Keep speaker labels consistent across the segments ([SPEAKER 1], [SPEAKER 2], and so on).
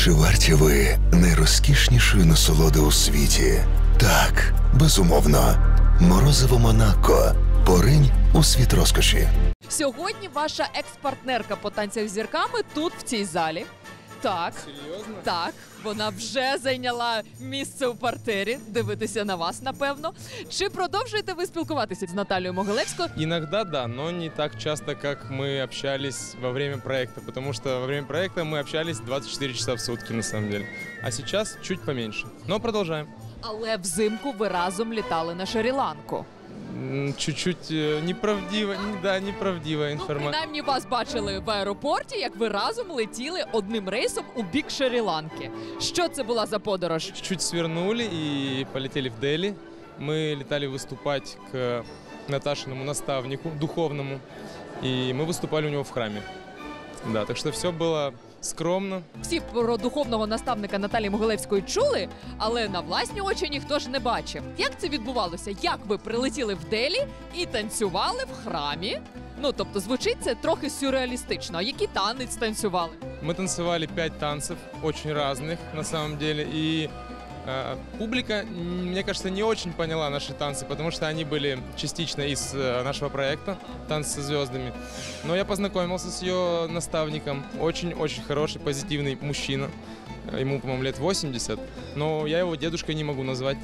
[SPEAKER 1] Чи варті ви найрозкішнішої насолоди у світі? Так, безумовно. Морозиво Монако. Поринь у світ розкоші.
[SPEAKER 2] Сьогодні ваша екс-партнерка по танцях з зірками тут, в цій залі. Так.
[SPEAKER 3] Серйозно?
[SPEAKER 2] Так, вона вже зайняла місце у партері. Дивитися на вас, напевно. Чи продовжуєте ви спілкуватися з Наталією Могилевською?
[SPEAKER 3] Иногда да, но не так часто, как мы общались во время проекта, потому что во время проекта мы общались 24 часа в сутки, на самом деле. А сейчас чуть поменьше. Но продолжаем.
[SPEAKER 2] Але взимку ви разом літали на Шрі-Ланку.
[SPEAKER 3] Чуть-чуть неправдива, да, неправдива
[SPEAKER 2] Ну,
[SPEAKER 3] информация.
[SPEAKER 2] принаймні вас бачили в аеропорті, як ви разом летіли одним рейсом у бік Шрі-Ланки. Що це була за подорож?
[SPEAKER 3] Чуть-чуть свернули и полетели в Дели. Мы летали выступать к Наташиному наставнику, духовному, и мы выступали у него в храме. Да, так что все было скромно.
[SPEAKER 2] Всі про духовного наставника Наталії Могилевської чули, але на власні очі ніхто ж не бачив. Як це відбувалося? Як ви прилетіли в Делі і танцювали в храмі? Ну, тобто, звучить це трохи сюрреалістично. А який танець танцювали?
[SPEAKER 3] Мы танцевали 5 танцев, очень разных на самом деле, и публика, мне кажется, не очень поняла наши танцы, потому что они были частично из нашего проекта «Танцы со звездами». Но я познакомился с ее наставником, очень-очень хороший, позитивный мужчина, ему, по-моему, лет 80, но я его дедушкой не могу назвать.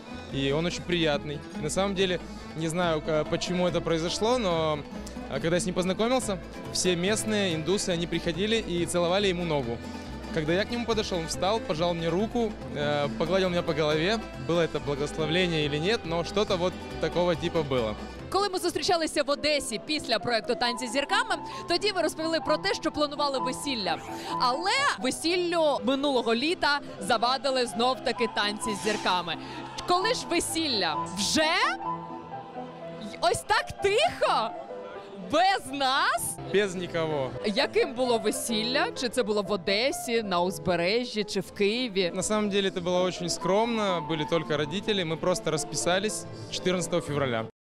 [SPEAKER 3] И он очень приятный. На самом деле, не знаю, почему это произошло, но когда я с ним познакомился, все местные индусы, они приходили и целовали ему ногу. Когда я к нему подошел, он встал, пожал мне руку, погладил меня по голове. Было это благословление или нет, но что-то вот такого типа было.
[SPEAKER 2] Коли ми зустрічалися в Одесі після проекту «Танці з зірками», тоді ви розповіли про те, що планували весілля. Але весіллю минулого літа завадили знов-таки танці з зірками. Коли ж весілля? Вже? Ось так тихо? Без нас?
[SPEAKER 3] Без никого.
[SPEAKER 2] Яким було весілля? Чи це було в Одесі, на узбережжі, чи в Києві?
[SPEAKER 3] На самом деле это было очень скромно, были только родители, мы просто расписались 14 февраля.